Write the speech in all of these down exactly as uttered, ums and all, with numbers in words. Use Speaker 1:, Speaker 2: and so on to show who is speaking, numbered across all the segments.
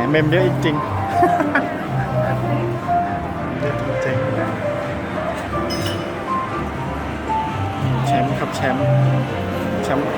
Speaker 1: เมมเยอะจริงๆเยอะจริงแชมป์ครับแชมป์แชมป์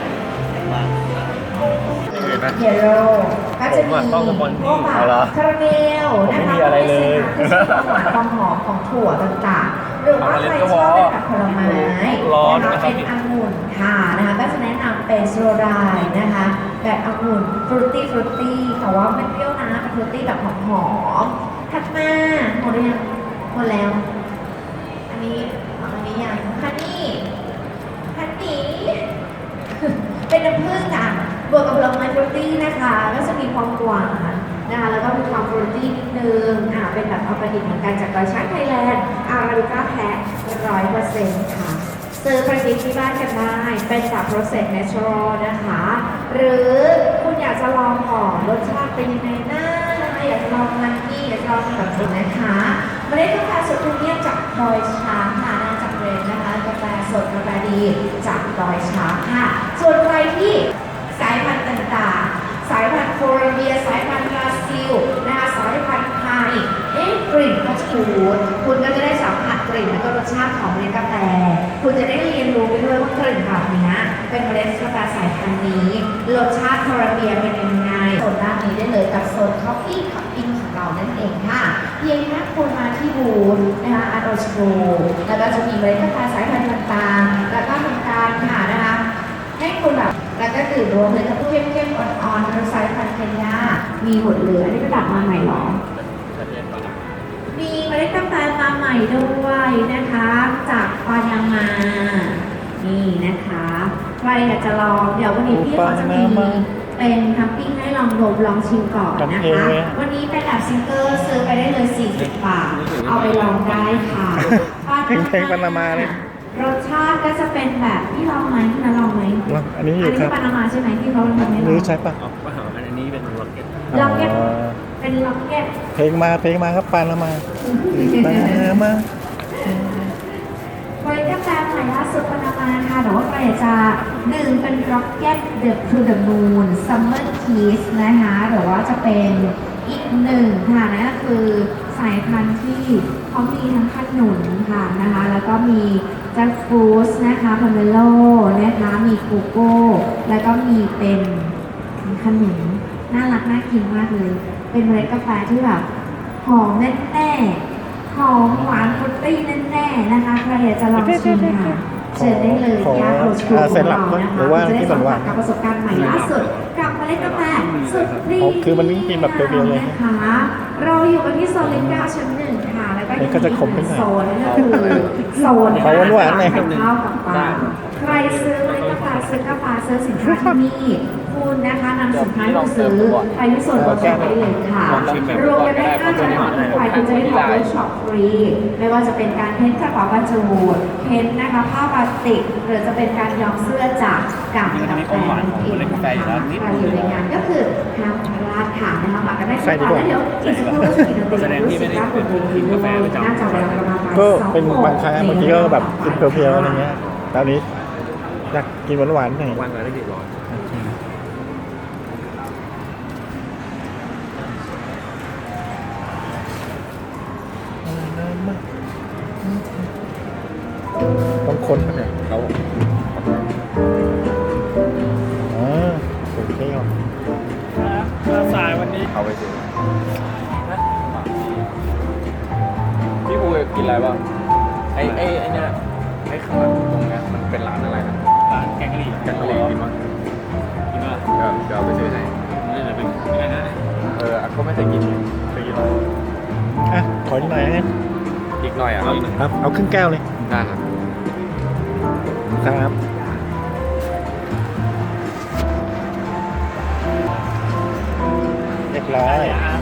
Speaker 1: เห็นไหม
Speaker 2: เฮโร่ก็จะมี
Speaker 3: ต้องสปอนนี่
Speaker 1: เอาเหรอ
Speaker 2: คาราเมล
Speaker 3: ผมไม่
Speaker 2: นะคะ
Speaker 3: มีอะไรเลย
Speaker 2: คือความหวานความหอมของถั่วต่างๆหรือว่าใครชอบเป็นแบบผลไม้
Speaker 3: ร้อน
Speaker 2: นะ
Speaker 3: นะ
Speaker 2: คะ
Speaker 3: ครับ
Speaker 2: เป็นองุ่นค่ะนะคะก็จะแนะนำเป็นสโลไดนะคะแบบองุ่นฟรุตตี้ฟรุตตี้แต่ว่าไม่เปรี้ยวนะเป็นฟรุตตี้แบบหอมๆถัดมาหมดหรือยังหมดแล้ว อันนี้อันนี้ยังฮันนี่ฮันนี่ เป็นน้ำผึ้งอ่ะบวกกับผลไม้ฟรุตตี้นะคะก็จะมีความหวานนะคะแล้วก็มีความฟรุตตี้นิดนึงอ่าเป็นแบบออร์แกนิกเหมือนกันจากดอยช้างไทยแลนด์อาราบิก้าแท้ร้อยเปอร์เซ็นต์ค่ะซื้อไปกินที่บ้านกันได้เป็นแบบ process natural นะคะ หรือคุณอยากจะลองก่อนรสชาติเป็นยังไงนะอยากจะลองมันนี่อยากจะลองแบบนี้นะคะเมล็ดกาแฟสดพรีเมียมจากดอยช้างค่ะน่าจะเรนนะคะกาแฟสดกาแฟดีจากดอยช้างค่ะส่วนใครที่สายพันธุ์ต่างๆสายพันธุ์โคลอมเบียสายพันธุ์บราซิลนะคะสายพันธุ์ไทยเอ๊ะกลิ่นก็จะถูนคุณก็จะได้สัมผัสกลิ่นและก็รสชาติของเมล็ดกาแฟคุณจะได้เรียนรู้ไปด้วยว่ากลิ่นแบบนี้เป็นเมล็ดกาแฟสายพันธุ์นี้รสชาติโคลอมเบียเป็นยังไงโซนด้านนี้ได้เลยกับโซนคอฟฟี่คัพปิ้งของเรานั่นเองค่ะเพียงแค่คุณมาที่บูธนะคะอาร์โตสโกแล้วก็จะมีเมล็ดกาแฟสายพันธุ์ต่างๆแล้วก็ทำการค่ะนะคะให้คุณแบบแล้วก็ดื่มรวมเลยทั้งเข้มๆอ่อนๆทั้งสายพันธุ์เคนยามีหมดเลยอันนี้ก็ดับมาใหม่หรอมีเมล็ดกาแฟมาใหม่ด้วยนะคะจากปานามานี่นะคะใครอยากจะลองเดี๋ยววันนี้พี่เขาจะมีเป็นทัมปิ้งให้ลองดมลองชิมก่อนนะคะวันนี้เป็นแบบซิงเกิลซื้อไปได้เลยสี่สิบบาทเอาไปลองได้ค่ะ
Speaker 1: เพลงปานามาเลย
Speaker 2: รสชาติก็จะเป็นแบบที่ลองไหมที่เราลองไหม
Speaker 1: อันนี้อ
Speaker 2: อั
Speaker 1: ยู่
Speaker 2: นนี้
Speaker 1: ครั
Speaker 2: คื
Speaker 1: บ
Speaker 2: อปานามาใช่ไหมที่เขาทำให้
Speaker 1: ห
Speaker 2: เรา
Speaker 1: รือใช่ปะ
Speaker 3: เอาเอาอันนี้เป็นล็อกเก็ต
Speaker 2: ล็อกเก็ต
Speaker 1: อ๋อ
Speaker 2: เป็นล็อกเก็ต
Speaker 1: เพลงมาเพลงมาครับปานามาปานามา
Speaker 2: บริการกาแฟใหม่ล่าสุดปานามาค่ะแต่ว่าใครอยากจะดื่มเป็นล็อกเก็ตเดอะทูเดอะมูนซัมเมอร์คีสนะคะหรือว่าจะเป็นอีกหนึ่งค่ะนั่นก็คือสายพันธุ์ที่เขามีทั้งขนุนค่ะนะคะแล้วก็มีแจ็คฟรุตนะคะพาเมโลนะคะมีโกโก้แล้วก็มีเป็นขนุนน่ารักน่ากินมากเลย เป็นเมล็ดกาแฟที่แบบหอมแน่ๆหอมหวานฟรุตตี้แน่ๆนะคะใครอยากจะลองชิมค่ะเชิญได้เลยที่อาร์โรสคูของเรานะคะจะได้สัมผัสกับประสบการณ์ใหม่ล่าสุดกับเมล็ดกาแฟสุดฟรี
Speaker 1: คือมันกินแบบเปรี้ยวๆเลย
Speaker 2: นะคะเราอยู่กันที่โซนเลนก้าชั้นหนึ่งค่ะแล้วก็
Speaker 1: มันก็จะขมขึ้นหน่อย
Speaker 2: โซนนั่นก็คือโซน
Speaker 1: เขาหวานๆหน่อย
Speaker 2: ข้าวกับปลาใครซื้อเมล็ดกาแฟซื้อกาแฟซื้อสินค้าที่นี่คุณนะคะนำสินค้าที่ซื้อไปที่ส่วนลดได้เลยค่ะรวมกันได้ค่าใช้จ่ายทุกฝ่ายคุณจะได้ทำเวิร์กช็อปฟรีไม่ว่าจะเป็นการเพ้นท์กระเป๋าบรรจุเพ้นท์นะคะผ้าพลาสติกหรือจะเป็นการย้อมเสื้อจากกากกาแฟนั่นเองนะคะใครอยู่ในงานก็คือห้ามพลาดค่ะนะคะมากันได้ทุกวันแล้วเดี๋ยวอีกสักครู่จะมีดนตรีรู้สึกว่าคนดูดีด้วยน่าจะเวลาประมาณบ่าย
Speaker 1: ก็
Speaker 2: สอง
Speaker 1: เป็นบางครั้งบางทีก็แบบกินเพียวๆอะไรเงี้ยตอนนี้อยากกินหวานๆหน่อย
Speaker 3: วันละได้กี่ร้อย
Speaker 1: ต้องคนปะเนี่ย
Speaker 3: เขา
Speaker 1: อ๋อเป็นเที่ยว
Speaker 3: ถ้าสายวันนี้เขาไปซื้อพี่ภูกินอะไรบ้างไอ้ไอ้ไอ้เนี่ยไอ้ข้างหลังตรงเนี้ยมันเป็นร้านอะไรนะร้านแกงกะหรี่แกงกะหรี่กินมั้ยกินมั้ยเดี๋ยวเดี๋ยวไปซื้อให้นี่จะเป็นยังไงนะเออก็ไม่เคยกินเคยกินไหม
Speaker 1: อ่ะขออีกหน่อยนะ
Speaker 3: อีกหน่อยอ่ะครับ
Speaker 1: ครับเอาครึ่งแก้วเลย
Speaker 3: ได้ครับ
Speaker 1: ครับเรียบร้อย